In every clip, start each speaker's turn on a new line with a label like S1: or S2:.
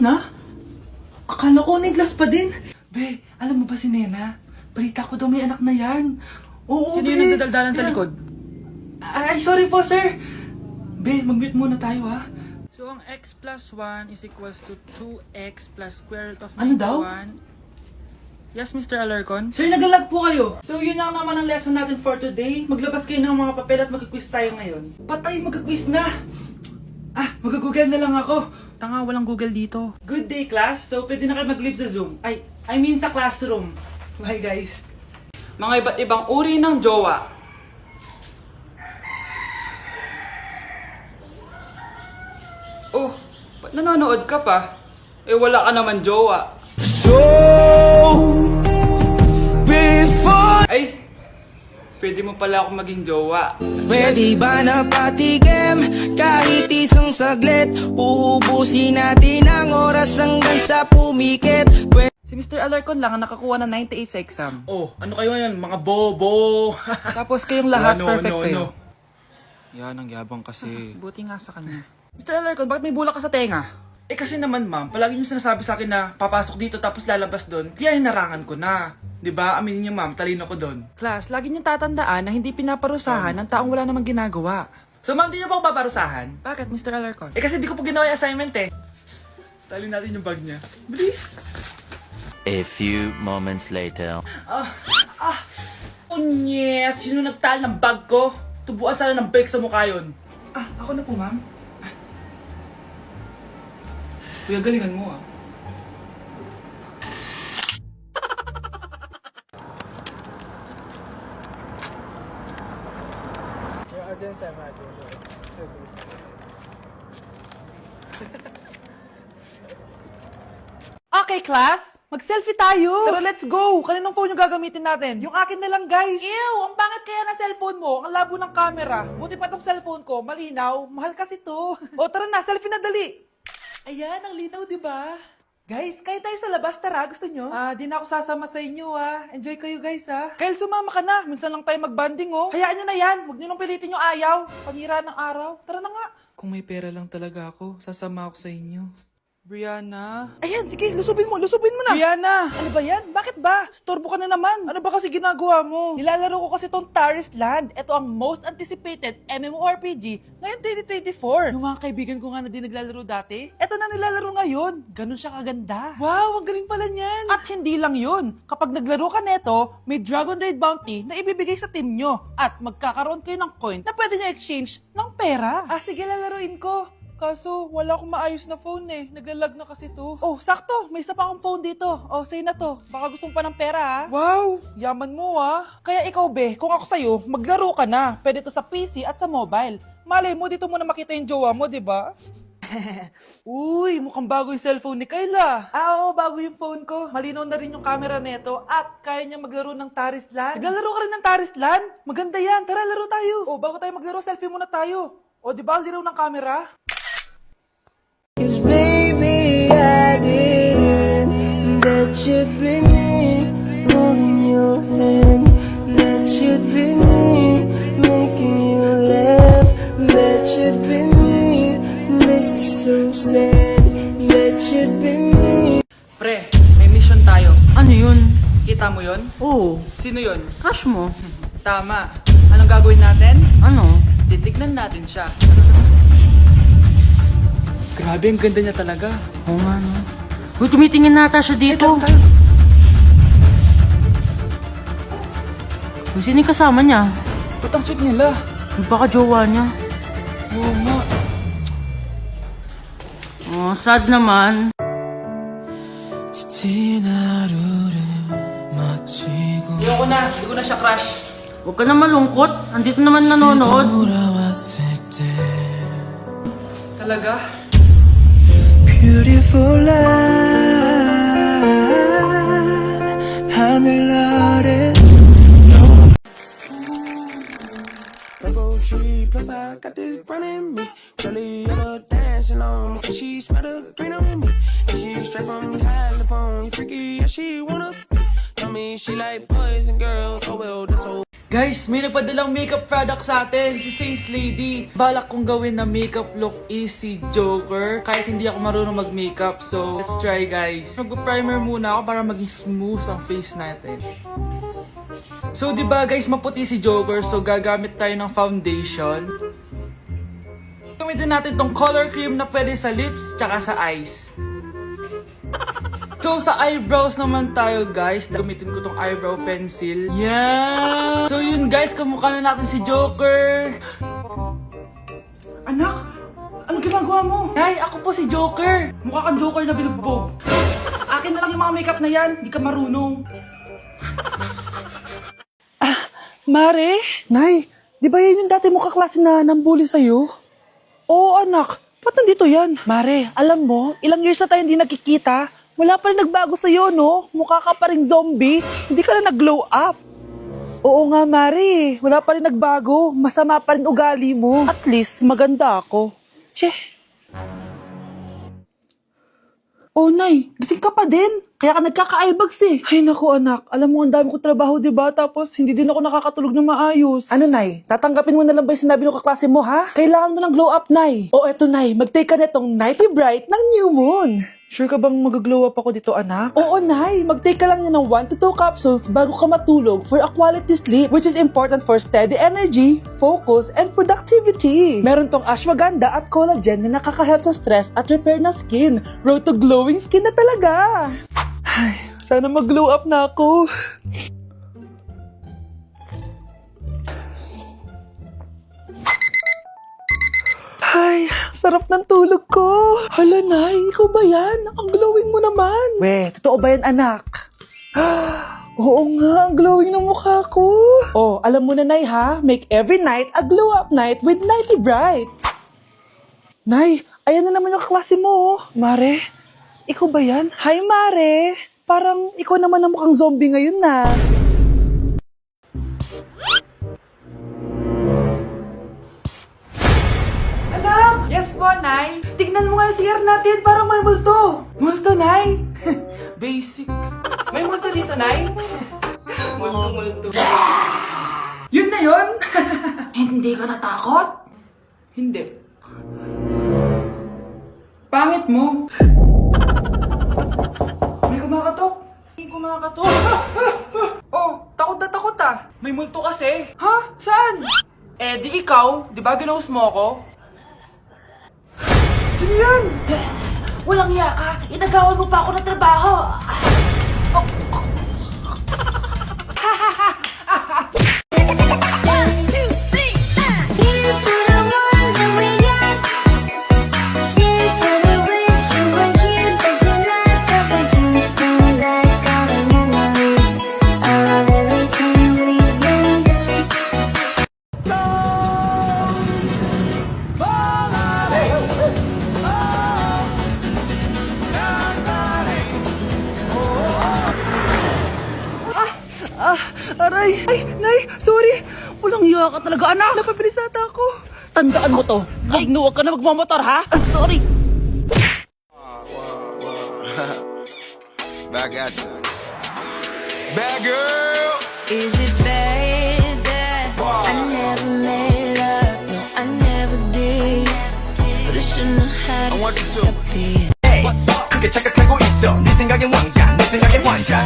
S1: Na? Akala ko Niglas pa din. Be, alam mo ba si Nena? Balita ko daw may anak na yan. Oo,
S2: Sino
S1: be.
S2: yung nagdadaldalan sa likod?
S1: Ay, sorry po, sir. Be, mag-mute muna tayo, ha?
S2: So, ang x plus 1 is equals to 2x plus square root of 91.
S1: Ano daw?
S2: Yes, Mr. Alarcon?
S1: Sir, nagalag po kayo. So, yun lang naman ang lesson natin for today. Maglabas kayo ng mga papel at mag-quiz tayo ngayon. Patay, mag-quiz na! Mag-google na lang ako.
S2: Tanga, walang Google dito.
S1: Good day, class. So, pwede na kayo mag-leave sa Zoom. I mean sa classroom. Bye, guys.
S2: Mga iba't ibang uri ng jowa. Oh, ba't nanonood ka pa? Eh, wala ka naman jowa.
S3: So before
S2: Ay, pwede mo pala ako maging jowa.
S3: pwede ba na patigim kahit isang saglit? Uubusin natin ang oras hanggang sa pumikit.
S2: Si Mr. Alarcon lang ang nakakuha ng 98 sa exam.
S1: Oh, ano kayo yan? Mga bobo!
S2: Tapos kayong lahat
S1: No,
S2: perfect
S1: no,
S2: kayo.
S1: no.
S2: Yan, ang yabang kasi. Buti nga sa kanya. Mr. Alarcon, bakit may bulak ka sa tenga?
S1: Eh kasi naman ma'am, palagi niyo sinasabi sa akin na papasok dito tapos lalabas doon, kaya hinarangan ko na. 'Di ba? Aminin niyo ma'am, talino ko doon.
S2: Class, lagi niyong tatandaan na hindi pinaparusahan ng taong wala namang ginagawa.
S1: So ma'am, di niyo ba ako paparusahan?
S2: Bakit, Mr. Alarcon?
S1: Eh kasi di ko po ginawa yung assignment eh. Psst, tali natin yung bag niya. Bilis!
S4: A few moments later.
S1: Unyes! Sino nagtal ng bag ko? Tubuan sana ng bike sa mukha yun. Ako na po ma'am. Kuya, galingan mo ah.
S2: Okay, class. Mag-selfie tayo. Tara, let's go. Kaninong phone yung gagamitin natin? Yung akin na lang, guys. Ew, ang pangit kaya na cellphone mo. Ang labo ng camera. Buti pa tong cellphone ko, malinaw. Mahal kasi to. O, tara na, selfie na dali. Ayan, ang linaw, di ba? Guys, kayo tayo sa labas, tara. Gusto nyo? Di na ako sasama sa inyo, Enjoy kayo, guys, Kyle, sumama ka na. Minsan lang tayo mag-banding, Hayaan nyo na yan. Huwag nyo nang pilitin yung ayaw. Pangira ng araw. Tara na nga. Kung may pera lang talaga ako, sasama ako sa inyo. Brianna? Ayan, sige, lusubin mo na. Brianna! Ano ba yan? Bakit ba? Storbo ka na naman. Ano ba kasi ginagawa mo? Nilalaro ko kasi tong Taris Land. Ito ang most anticipated MMORPG ngayon 2024. Yung mga kaibigan ko nga na din naglalaro dati, ito na nilalaro ngayon. Ganun siya kaganda. Wow, ang galing pala niyan. At hindi lang yun. Kapag naglaro ka neto, may Dragon Raid Bounty na ibibigay sa team nyo. At magkakaroon kayo ng coins na pwede nyo exchange ng pera. Sige, lalaruin ko. Kaso, wala akong maayos na phone Naglalag na kasi to. Oh, sakto! May isa pa akong phone dito. Oh, sa'yo na to. Baka gusto mo pa ng pera, Wow! Yaman mo, Kaya ikaw, be, kung ako sa'yo, maglaro ka na. Pwede to sa PC at sa mobile. Malay mo, dito mo na makita yung jowa mo, di ba? Uy, mukhang bago yung cellphone ni Kayla. Oo, bago yung phone ko. Malinaw na rin yung camera neto at kaya niya maglaro ng Taris Land. Naglalaro ka rin ng Taris Land? Maganda yan. Tara, laro tayo. Oh, bago tayo maglaro, selfie muna tayo. Oh, di ba, linaw ng camera?
S3: 'Cause baby I didn't That should be me Holding your hand That should be me Making you laugh That should be me This is so sad That should be me
S2: Pre, may mission tayo.
S5: Ano yun?
S2: Kita mo yon?
S5: Oo,
S2: Sino yon?
S5: crush mo.
S2: Tama. Anong gagawin natin?
S5: Ano?
S2: Titignan natin siya. Grabe, ang ganda niya talaga.
S5: Oo nga, no? Uy, tumitingin nata siya dito. Uy, sino yung kasama niya?
S2: Ba't ang sweet nila?
S5: Yung baka jowa niya.
S2: Oo nga.
S5: Oh, sad naman.
S2: Ayoko na. Hindi ko na siya crush.
S5: Huwag ka na malungkot. Andito naman nanonood.
S2: Talaga?
S3: Beautiful light 하늘 아래 Rainbow tree, plus I got this brown in me. Jelly yellow dancing on me, say she smell the green on me. And she straight from California, freaky, yeah she wanna be. Tell me she like boys and girls, oh well that's so.
S1: Guys, may nagpadalang makeup product sa atin, si Face Lady. Balak kong gawin na makeup look is si Joker, kahit hindi ako marunong mag-makeup. So, let's try guys. Mag-primer muna ako para maging smooth ang face natin. So, di ba guys, maputi si Joker, so gagamit tayo ng foundation. Gamitin natin tong color cream na pwede sa lips, tsaka sa eyes. So, sa eyebrows naman tayo, guys. Gamitin ko tong eyebrow pencil. Yan! So, yun, guys. Kamukha na natin si Joker. Anak! Ano ginagawa mo? Nay, ako po si Joker. Mukha kang Joker na binugbog. Akin na lang yung mga makeup na yan. Di ka marunong.
S2: Mare? Nay, di ba yun yung dati mo kaklase na nambuli sa'yo? Oo, anak. Ba't nandito yan? Mare, alam mo, ilang years na tayo hindi nagkikita. Wala pa rin nagbago sa'yo, no? Mukha ka pa rin zombie. Hindi ka na nag-glow up. Oo nga, Mare. Wala pa rin nagbago. Masama pa rin ugali mo. At least, maganda ako. Che. Oh, Nay. Gising ka pa din. Kaya ka nagkaka-eyebags eh. Ay, naku, anak. Alam mo, ang dami ko trabaho, diba? Tapos, hindi din ako nakakatulog ng maayos. Ano, Nay? Tatanggapin mo na lang ba yung sinabi ng kaklase mo, ha? Kailangan mo ng glow up, Nay. O, eto, Nay. Mag-take ka na itong Nighty Bright ng New Moon. Sure ka bang mag-glow up ako dito, anak? Oo, Nay. Mag-take ka lang niya ng 1 to 2 capsules bago ka matulog for a quality sleep, which is important for steady energy, focus, and productivity. Meron tong ashwagandha at collagen na nakaka-help sa stress at repair na skin. Road to glowing skin na talaga. Ay, sana mag-glow up na ako. Ay, sarap ng tulog ko. Hala, Nay, ikaw ba yan? Ang glowing mo naman. We, totoo ba yan, anak? Oo nga, ang glowing ng mukha ko. Oh, alam mo na, Nay, ha? Make every night a glow-up night with Nighty Bright. Nay, ayan na naman yung klase mo. Mare, ikaw ba yan? Hi, Mare. Parang ikaw naman ang mukhang zombie ngayon na. Anak! Yes po, Nay. Tignan mo nga yung CR natin, parang may multo. Multo, Nay? Basic. May multo dito, Nay? Multo. Yun na yun? Hindi ka natakot? Hindi. Pangit mo. May kumakatok. May kumakatok. Oh, takot na takot ah. May multo kasi. Ha? Saan? Eh, di ikaw. Di ba ginose mo ako? Sino yan? Walang iya ka. Inagawan mo pa ako ng trabaho. Aray! Ay, Nay! Sorry! Walang iya ka talaga, anak! Napabilisata ako! Tandaan mo to! Huwag ka na magmamotor, ha? Sorry!
S6: Back at you. Bad girl.
S7: Is it bad that I never made love? No, I never did. But I shouldn't have had
S6: I want you to.
S7: a bit.
S6: 크게 착각하고 있어. 네 생각엔 왕자, 내 생각엔 왕자.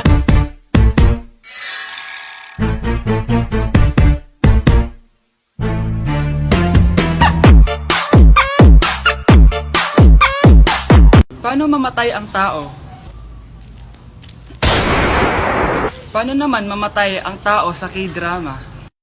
S1: Paano mamatay ang tao? Paano naman mamatay ang tao sa K-drama?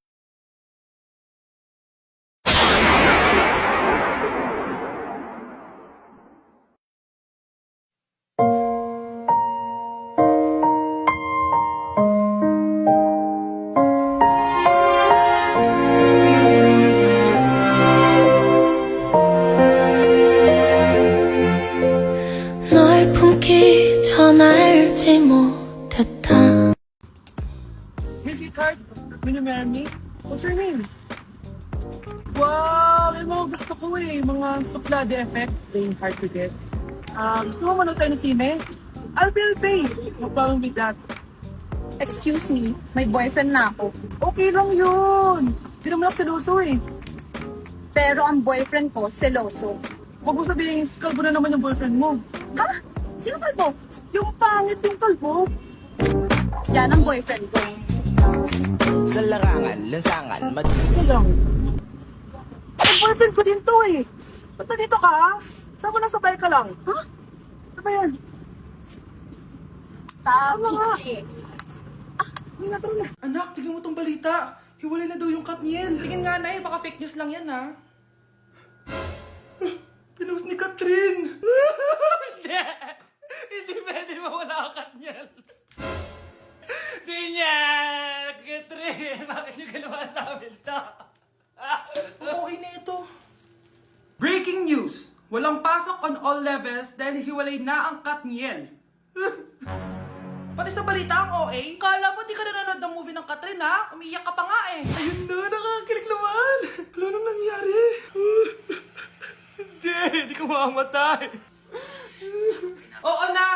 S7: 널 품기 전 알지 못했다.
S1: Hey, sweetheart, will you marry me? What's your name? Wow, yung mga gusto ko eh. Mga suplade effect, playing hard to get. Gusto mo manood tayo ng sine? I'll pay. No problem with that.
S8: Excuse me, may boyfriend na ako.
S2: Okay lang yun. Hindi naman ako seloso eh.
S8: Pero ang boyfriend ko, seloso.
S2: Huwag mo sabihin, kalbo na naman yung boyfriend mo.
S8: Ha? Sino kalbo?
S2: Yung pangit yung kalbo.
S8: Yan ang boyfriend ko.
S3: Sa larangan, lansangan,
S2: Ito lang. Ang boyfriend ko din to eh. Ba't nandito ka? Saan mo nasabay ka lang? Ha? Ano ba yan?
S8: Sabi
S2: nga?
S8: eh.
S2: Hindi na tara na. Anak, tignan mo tong balita. Hiwalay na daw yung Katniel. Tingin nga na baka fake news lang yan ha. Pinost ni Catherine.
S1: Hindi! Hindi pwede mawala ang Katniel. Di niya! Catherine! Bakit niyo ginawa sa amin to?
S2: Okay na ito. Breaking news! Walang pasok on all levels dahil hiwalay na ang Katniel. Pati sa balita ang OA, kala mo di ka nanonood ng movie ng Catherine ha? Umiiyak ka pa nga eh. Ayun na, nakakilig naman. Wala nang nangyari. Hindi ko mamamatay. Oo na,